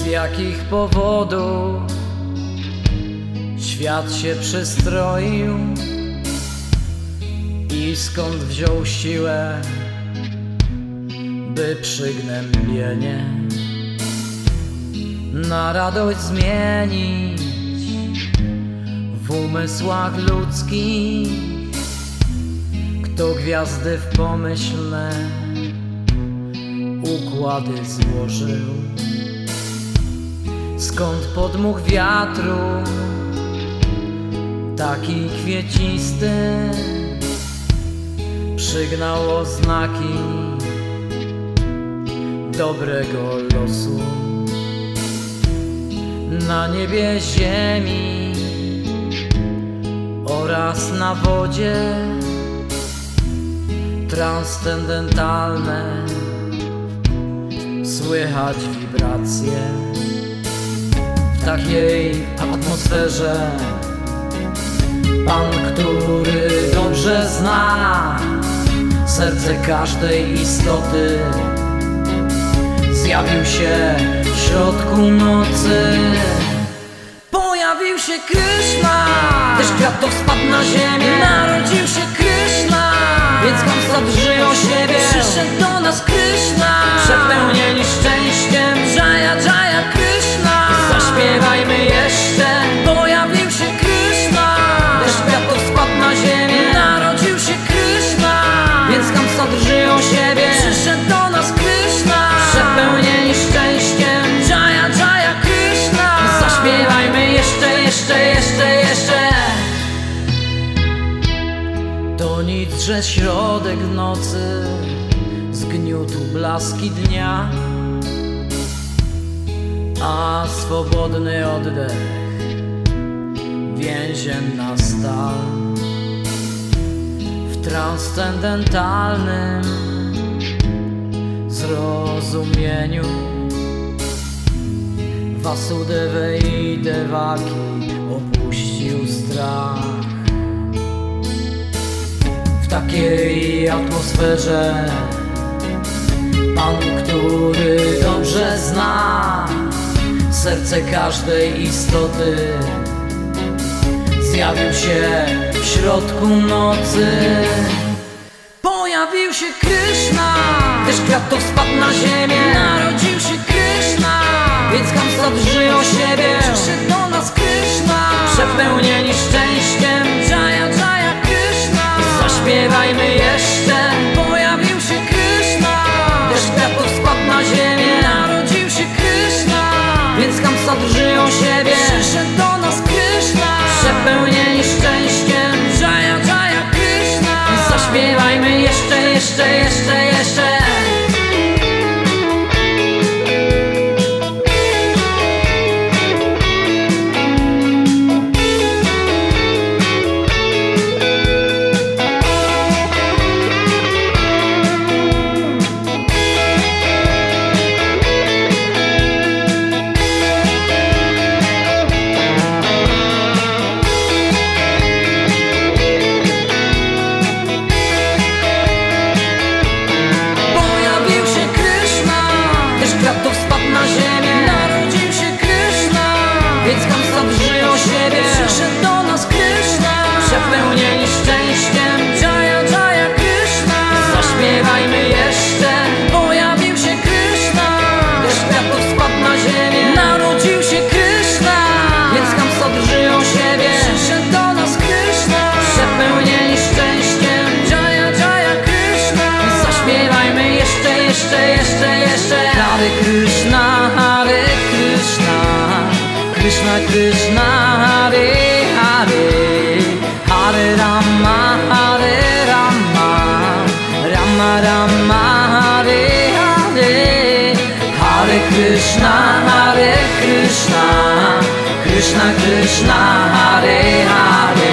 Z jakich powodów świat się przystroił i skąd wziął siłę, by przygnębienie na radość zmienić w umysłach ludzkich. Kto gwiazdy w pomyślne układy złożył, skąd podmuch wiatru taki kwiecisty przygnał oznaki dobrego losu. Na niebie, ziemi oraz na wodzie transcendentalne słychać wibracje. W takiej atmosferze Pan, który dobrze zna serce każdej istoty, zjawił się w środku nocy. Pojawił się Kryszna, deszcz kwiatów spadł na ziemię. Narodził się Kryszna, więc Kamsa drży o siebie. Przyszedł do nas Kryszna, przepełnieni szczęściem. Jaya Jaya Kryszna, zaśpiewajmy jeszcze. Pojawił się Kryszna, deszcz kwiatów spadł na ziemię. Narodził się Kryszna, więc Kamsa drży o siebie. Przyszedł do nas Kryszna, przepełnieni szczęściem. Jaya Jaya Kryszna, zaśpiewajmy jeszcze, jeszcze. To nic, że środek nocy zgniótł blaski dnia, a swobodny oddech więzienna stal. W transcendentalnym zrozumieniu Vasudevę i Devaki opuścił strach. W takiej atmosferze Pan, który dobrze zna serce każdej istoty, zjawił się w środku nocy. Pojawił się Kryszna, deszcz kwiatów spadł na ziemię. Narodził się Kryszna, więc Kamsa drży o siebie. Przyszedł do nas Kryszna, przepełnieni szczęściem. Jaya Jaya Kryszna, zaśpiewajmy jeszcze. Pojawił się Kryszna, deszcz kwiatów spadł na ziemię. Narodził się Kryszna, więc Kamsa drży o siebie. Przyszedł do nas Kryszna, przepełnieni szczęściem. Jaya Jaya Kryszna, zaśpiewajmy jeszcze. Więc Kamsa drży o siebie. Przyszedł do nas Kryszna, przepełnieni szczęściem. Jaya Jaya Kryszna, zaśpiewajmy jeszcze. Pojawił się Kryszna, deszcz kwiatów spadł na ziemię. Narodził się Kryszna, więc Kamsa drży o siebie. Przyszedł do nas Kryszna, przepełnieni szczęściem. Jaya Jaya Kryszna, zaśpiewajmy jeszcze. Hare Kryszna, Hare Kryszna, Krishna Krishna, Hare Hare, Hare Rama, Hare Rama, Rama Rama, Hare Hare. Hare Krishna, Hare Krishna, Krishna Krishna, Hare Hare.